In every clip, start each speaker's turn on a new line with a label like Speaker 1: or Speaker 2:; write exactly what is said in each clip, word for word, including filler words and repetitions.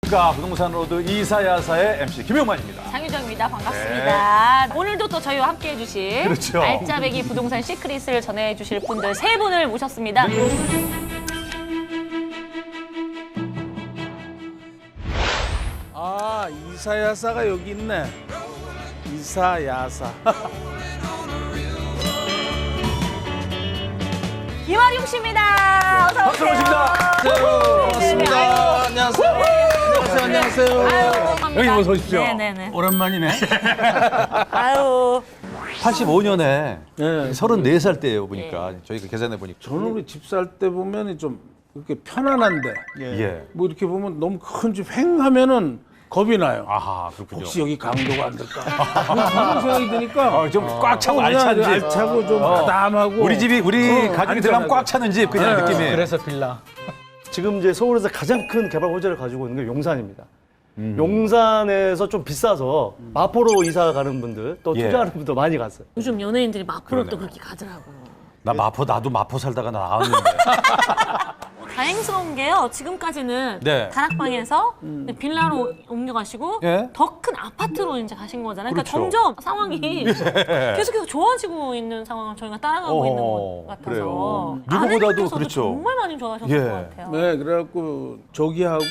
Speaker 1: 안녕하십니까. 부동산 로드 이사야사의 엠씨 김용만입니다.
Speaker 2: 장유정입니다. 반갑습니다. 네. 오늘도 또 저희와 함께해 주실
Speaker 1: 그렇죠.
Speaker 2: 알짜배기 부동산 시크릿을 전해 주실 분들 세 분을 모셨습니다.
Speaker 3: 아, 이사야사가 여기 있네. 이사야사.
Speaker 2: 이화룡 씨입니다. 어서
Speaker 1: 박수
Speaker 2: 오세요.
Speaker 1: 모십니다.
Speaker 3: 반갑습니다. 안녕하세요. 안녕하세요. 안녕하세요.
Speaker 2: 아유,
Speaker 1: 여기 어서 오십시오.
Speaker 2: 네네네.
Speaker 3: 오랜만이네.
Speaker 2: 아유.
Speaker 1: 팔십오 년에
Speaker 3: 네.
Speaker 1: 서른네 살 때예요, 보니까. 저희가 계산해 보니까.
Speaker 3: 저는 우리 집 살 때 보면 좀 이렇게 편안한데,
Speaker 1: 예.
Speaker 3: 뭐 이렇게 보면 너무 큰 집 횡하면은 겁이 나요.
Speaker 1: 아하, 그렇군요.
Speaker 3: 혹시 여기 강도가 안 될까? 그런 생각이 드니까.
Speaker 1: 어, 좀 꽉 차고
Speaker 3: 그냥
Speaker 1: 알찬 집.
Speaker 3: 알차고 좀 바담하고.
Speaker 1: 우리 집이 우리
Speaker 3: 어,
Speaker 1: 가족이 들어가면 꽉 차는 집 그냥
Speaker 3: 네.
Speaker 1: 느낌이.
Speaker 4: 그래서 빌라.
Speaker 5: 지금 이제 서울에서 가장 큰 개발 호재를 가지고 있는 게 용산입니다. 용산에서 좀 비싸서 마포로 이사 가는 분들 또
Speaker 1: 예.
Speaker 5: 투자하는 분도 많이 갔어요.
Speaker 2: 요즘 연예인들이 마포로
Speaker 1: 그러네.
Speaker 2: 또 그렇게 가더라고.
Speaker 1: 나 마포 나도 마포 살다가 나왔는데.
Speaker 2: 다행스러운 게요. 지금까지는
Speaker 1: 네.
Speaker 2: 다락방에서 빌라로 옮겨가시고
Speaker 1: 예.
Speaker 2: 더 큰 아파트로 이제 가신 거잖아요. 그러니까
Speaker 1: 그렇죠.
Speaker 2: 점점 상황이 계속해서 좋아지고 있는 상황을 저희가 따라가고
Speaker 1: 어,
Speaker 2: 있는 것 같아서
Speaker 1: 그래요. 누구보다도
Speaker 2: 아내분께서도
Speaker 1: 그렇죠.
Speaker 2: 정말 많이 좋아하셨을
Speaker 1: 예.
Speaker 2: 것 같아요.
Speaker 3: 네, 그래갖고 저기하고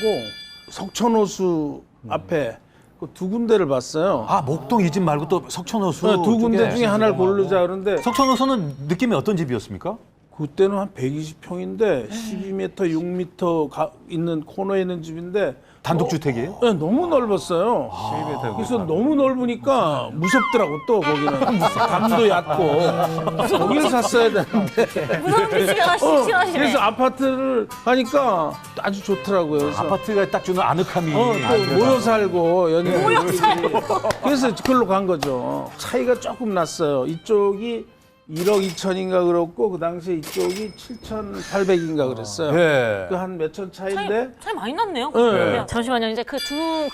Speaker 3: 석천호수 앞에 그 두 군데를 봤어요.
Speaker 1: 아, 목동 이 집 말고 또 석천호수.
Speaker 3: 네, 두 군데
Speaker 1: 쪽에.
Speaker 3: 중에 하나를 고르자 그러는데
Speaker 1: 석천호수는 느낌이 어떤 집이었습니까?
Speaker 3: 그때는 한 백이십 평인데 십이 미터, 육 미터 가, 있는 코너에 있는 집인데
Speaker 1: 단독주택이에요?
Speaker 3: 네, 너무 넓었어요. 그래서 너무 넓으니까 무섭더라고 또 거기는. 감도 얕고. 거기를 샀어야 되는데.
Speaker 2: 무서운 데 싫어,
Speaker 3: 어,
Speaker 2: 싫어하시네.
Speaker 3: 그래서 아파트를 하니까 아주 좋더라고요. 그래서
Speaker 1: 아파트가 딱 주는 아늑함이.
Speaker 3: 어, 또 모여 살고 연예인
Speaker 2: 모여 살고.
Speaker 3: 그래서 그걸로 간 거죠. 차이가 조금 났어요. 이쪽이 일억 이천인가 그렇고 그 당시에 이쪽이 칠천팔백인가 그랬어요.
Speaker 1: 예.
Speaker 3: 그 한 몇천
Speaker 2: 차이,
Speaker 3: 차인데
Speaker 2: 차이 많이 났네요.
Speaker 3: 네.
Speaker 2: 잠시만요. 이제 그 두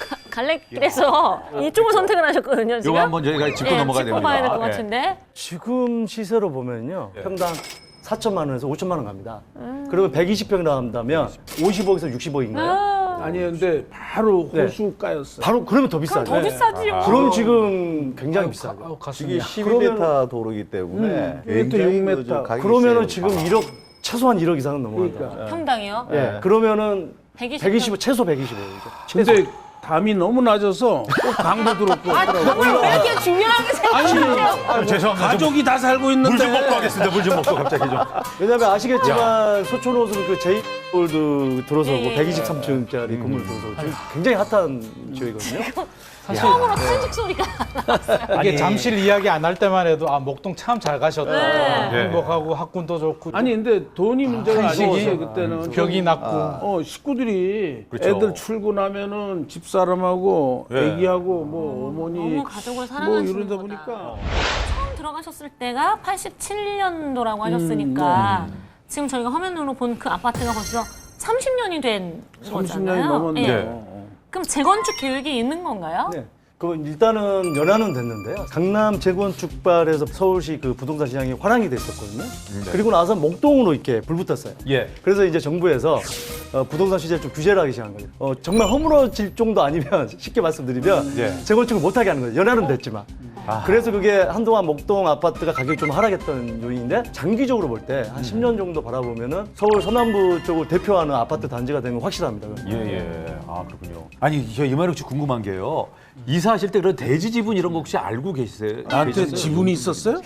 Speaker 2: 갈래길에서 이쪽을 선택을 하셨거든요. 지금.
Speaker 1: 요거 한번 저희가 짚고
Speaker 2: 예,
Speaker 1: 넘어가야
Speaker 2: 짚고
Speaker 1: 됩니다.
Speaker 2: 봐야 될 것
Speaker 1: 예.
Speaker 2: 같은데.
Speaker 5: 지금 시세로 보면요. 평당 사천만 원에서 오천만 원 갑니다. 그러면 백이십 평 나온다면 오십억에서 육십억인가요?
Speaker 2: 아,
Speaker 3: 아니 근데 바로
Speaker 5: 네.
Speaker 3: 호수가였어요.
Speaker 5: 바로 그러면 더 비싸죠.
Speaker 2: 더 비싸지요.
Speaker 5: 그럼 지금 굉장히 비싸죠.
Speaker 4: 아우,
Speaker 6: 이게
Speaker 4: 가슴이.
Speaker 6: 십이 미터 도로이기 때문에
Speaker 3: 이게 또
Speaker 6: 굉장히
Speaker 3: 육 미터.
Speaker 6: 그 가격이
Speaker 5: 그러면은
Speaker 6: 세요.
Speaker 5: 지금 일억 최소한 일억 이상은 넘어간다.
Speaker 3: 그러니까.
Speaker 2: 평당이요?
Speaker 5: 예. 그러면은
Speaker 2: 백이십.
Speaker 5: 백이십 최소 백이십억이죠.
Speaker 3: 근데 담이 너무 낮아서 꼭 강도 들었고
Speaker 2: 아, 그걸 왜 이렇게 중요하게 생각하세요?
Speaker 1: 아, 죄송합니다.
Speaker 3: 가족이 다 살고 있는데
Speaker 1: 물 좀 먹고 하겠습니다. 물 좀 먹고 갑자기 좀.
Speaker 5: 왜냐면 아시겠지만 소촌호수는 그 제이골드 들어서고
Speaker 2: 예, 예.
Speaker 5: 백이십삼 층짜리 건물 들어서고 지금 굉장히 핫한 지역이거든요.
Speaker 2: 처음으로 탄식 소리가.
Speaker 4: 이게 잠실 이야기 안 할 때만 해도 아 목동 참 잘 가셨다.
Speaker 2: 네.
Speaker 4: 행복하고 학군도 좋고.
Speaker 3: 아니 근데 돈이 문제가
Speaker 4: 한식이?
Speaker 3: 아니었어요 그때는.
Speaker 4: 벽이 낮고.
Speaker 3: 어 식구들이
Speaker 1: 그렇죠.
Speaker 3: 애들 출근하면은 집사람하고
Speaker 1: 예.
Speaker 3: 애기하고 뭐 어머니
Speaker 2: 너무 가족을
Speaker 3: 뭐
Speaker 2: 사랑하시는
Speaker 3: 이러다
Speaker 2: 거다.
Speaker 3: 보니까
Speaker 2: 처음 들어가셨을 때가 팔십칠 년도라고 하셨으니까 지금 저희가 화면으로 본 그 아파트가 벌써 삼십 년이 된
Speaker 3: 삼십
Speaker 2: 거잖아요.
Speaker 3: 년이 넘었네요.
Speaker 2: 예. 그럼 재건축 계획이 있는 건가요?
Speaker 5: 네. 그 일단은 연한은 됐는데요. 강남 재건축발에서 서울시 그 부동산 시장이 화랑이 됐었거든요. 그리고 나서 목동으로 이렇게 불 붙었어요.
Speaker 1: 예.
Speaker 5: 그래서 이제 정부에서 어, 부동산 시세를 좀 규제를 하기 시작한 거예요. 어, 정말 허물어질 정도 아니면 쉽게 말씀드리면
Speaker 1: 예.
Speaker 5: 재건축을 못하게 하는 거예요. 연한은 됐지만.
Speaker 1: 아.
Speaker 5: 그래서 그게 한동안 목동 아파트가 가격이 좀 하락했던 요인인데 장기적으로 볼 때 한 십 년 정도 바라보면은 서울 서남부 쪽을 대표하는 아파트 단지가 되는 건 확실합니다.
Speaker 1: 예, 예. 아, 그렇군요. 아니, 저 이만욱 씨 궁금한 게요. 이사하실 때 그런 대지 지분 이런 거 혹시 알고 계세요?
Speaker 3: 나한테
Speaker 1: 계셨어요?
Speaker 3: 지분이 있었어요?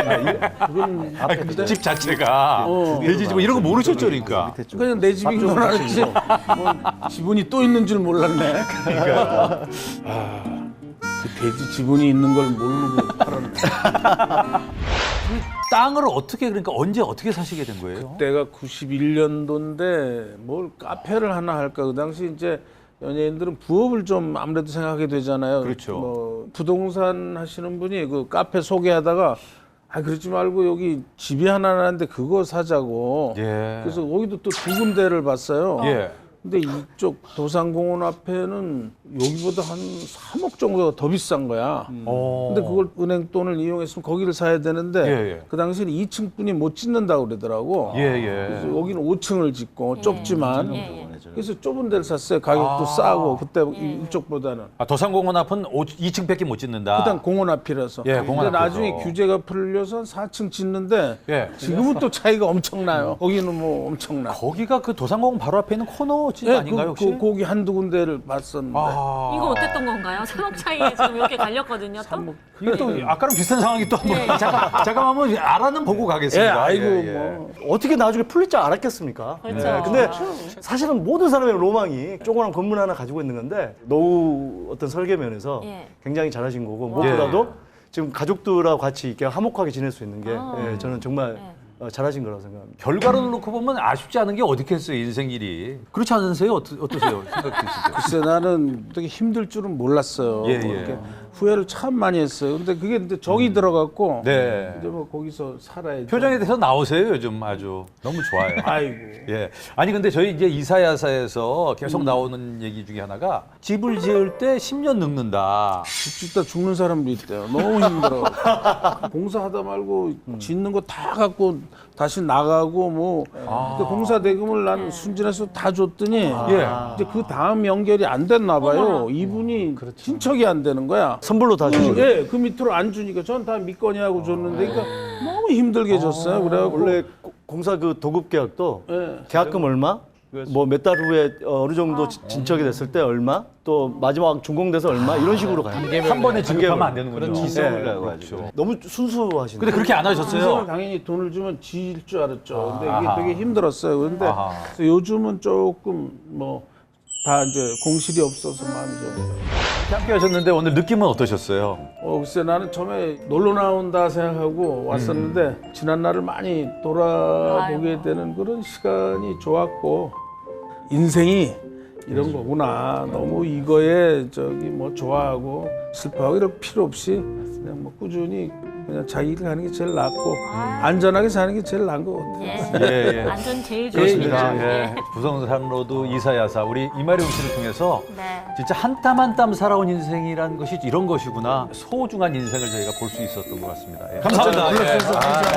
Speaker 3: 그건
Speaker 1: 아니, 그 집 자체가 대지 지분 이런 거 모르셨죠, 그러니까.
Speaker 6: 밑에 좀
Speaker 3: 그냥 내 집인 건 알았지. 뭐 지분이 또 있는 줄 몰랐네. 그러니까 그 돼지 지분이 있는 걸 모르고 팔았네.
Speaker 1: 땅을 어떻게 그러니까 언제 어떻게 사시게 된 거예요?
Speaker 3: 때가 구십일 년도인데 뭘 카페를 하나 할까? 그 당시 이제 연예인들은 부업을 좀 아무래도 생각하게 되잖아요.
Speaker 1: 그렇죠.
Speaker 3: 뭐 부동산 하시는 분이 그 카페 소개하다가 아 그러지 말고 여기 집이 하나 나는데 그거 사자고.
Speaker 1: 예.
Speaker 3: 그래서 거기도 또 두 군데를 봤어요.
Speaker 1: 예.
Speaker 3: 근데 이쪽 도산공원 앞에는 여기보다 한 삼억 정도가 더 비싼 거야.
Speaker 1: 어.
Speaker 3: 근데 그걸 은행 돈을 이용했으면 거기를 사야 되는데
Speaker 1: 예, 예.
Speaker 3: 그 당시에는 이 층뿐이 못 짓는다고 그러더라고.
Speaker 1: 예, 예.
Speaker 3: 그래서 여기는 오 층을 짓고 좁지만
Speaker 2: 예, 예.
Speaker 3: 그래서 좁은 데를 샀어요. 가격도
Speaker 1: 아.
Speaker 3: 싸고 그때
Speaker 2: 예.
Speaker 3: 이쪽보다는.
Speaker 1: 아, 도산공원 앞은 이 층밖에 못 짓는다.
Speaker 3: 그다음 공원 앞이라서.
Speaker 1: 예, 공원
Speaker 3: 근데
Speaker 1: 앞이라서.
Speaker 3: 나중에 규제가 풀려서 사 층 짓는데
Speaker 1: 예.
Speaker 3: 지금은 또 차이가 엄청나요. 거기는 뭐 엄청나.
Speaker 1: 거기가 그 도산공원 바로 앞에 있는 코너 집
Speaker 3: 예,
Speaker 1: 아닌가요,
Speaker 3: 그,
Speaker 1: 혹시?
Speaker 3: 그, 거기 한두 군데를 봤었는데.
Speaker 1: 아.
Speaker 2: 이거 어땠던 건가요? 삼억 차이에 지금 이렇게 갈렸거든요. 또?
Speaker 3: 삼억.
Speaker 1: 이게 또 아까랑 비슷한 상황이 또 한번
Speaker 2: 예.
Speaker 1: 잠깐 잠깐 한번 알아는 보고
Speaker 3: 예,
Speaker 1: 가겠습니다.
Speaker 3: 아이고
Speaker 1: 예, 예.
Speaker 3: 뭐.
Speaker 5: 어떻게 나중에 풀릴 줄 알았겠습니까?
Speaker 2: 그렇죠.
Speaker 5: 네, 근데 사실은 모든 사람의 로망이 조그만 건물 하나 가지고 있는 건데 노후 어떤 설계 면에서
Speaker 2: 예.
Speaker 5: 굉장히 잘하신 거고 무엇보다도 지금 가족들하고 같이 이렇게 화목하게 지낼 수 있는 게
Speaker 2: 아.
Speaker 5: 예, 저는 정말
Speaker 2: 예.
Speaker 5: 어, 잘하신 거라고 생각합니다.
Speaker 1: 결과를 놓고 보면 아쉽지 않은 게 어디겠어요, 인생 일이. 그렇지 않으세요? 어떠, 어떠세요? 생각 드시죠?
Speaker 3: 글쎄 나는 되게 힘들 줄은 몰랐어요.
Speaker 1: 예,
Speaker 3: 뭐
Speaker 1: 예.
Speaker 3: 이렇게 후회를 참 많이 했어요. 근데 그게 근데 정이 들어갔고
Speaker 1: 네.
Speaker 3: 이제 뭐 거기서 살아야죠.
Speaker 1: 표정에 대해서 나오세요, 요즘 아주. 너무 좋아요.
Speaker 3: 아이고.
Speaker 1: 예. 아니 근데 저희 이제 이사야사에서 계속 나오는 얘기 중에 하나가 집을 지을 때 십 년 늙는다.
Speaker 3: 집 짓다 죽는 사람도 있대요. 너무 힘들어. 공사하다 말고 짓는 거 다 갖고 다시 나가고 뭐. 근데 공사 대금을 난 순진해서 다 줬더니
Speaker 1: 예.
Speaker 3: 이제 그 다음 연결이 안 됐나 봐요. 이분이 친척이 안 되는 거야.
Speaker 5: 선불로 다
Speaker 3: 그,
Speaker 5: 주시고
Speaker 3: 예, 그 밑으로 안 주니까 전 다 믿거니 하고 줬는데 그러니까 너무 힘들게 줬어요. 그래갖고
Speaker 5: 원래 고- 공사 그 도급 계약도
Speaker 3: 예.
Speaker 5: 계약금 얼마, 뭐 몇 달 후에 어, 어느 정도 지- 진척이 됐을 때 얼마, 또 마지막 준공돼서 얼마 이런 식으로 가요.
Speaker 1: 한 번에 지급하면 안 되는군요.
Speaker 6: 그런 지성이라고 하죠.
Speaker 5: 네. 너무 순수하신데.
Speaker 1: 근데 그렇게 안
Speaker 3: 선생은
Speaker 1: 하셨어요?
Speaker 3: 당연히 돈을 주면 지을 줄 알았죠. 근데
Speaker 1: 아하.
Speaker 3: 이게 되게 힘들었어요. 그런데
Speaker 1: 아하.
Speaker 3: 그래서 요즘은 조금 뭐 다 이제 공실이 없어서 마음이 좀.
Speaker 1: 함께 하셨는데 오늘 느낌은 어떠셨어요?
Speaker 3: 어, 글쎄 나는 처음에 놀러 나온다 생각하고 왔었는데 지난 날을 많이 돌아보게
Speaker 2: 아이고.
Speaker 3: 되는 그런 시간이 좋았고 인생이 이런 거구나. 너무 이거에 저기 뭐 좋아하고 슬퍼하고 이럴 필요 없이 그냥 뭐 꾸준히 그냥 자기 일 하는 게 제일 낫고 안전하게 사는 게 제일 나은 것 같아요.
Speaker 2: 예.
Speaker 1: 예, 예.
Speaker 2: 안전 제일
Speaker 1: 그렇습니다.
Speaker 2: 중요해요.
Speaker 1: 예. 부성산로드 이사야사 우리 이마룡 씨를 통해서
Speaker 2: 네.
Speaker 1: 진짜 한 땀 한 땀 살아온 인생이란 것이 이런 것이구나. 소중한 인생을 저희가 볼 수 있었던 것 같습니다. 예. 감사합니다. 예. 아.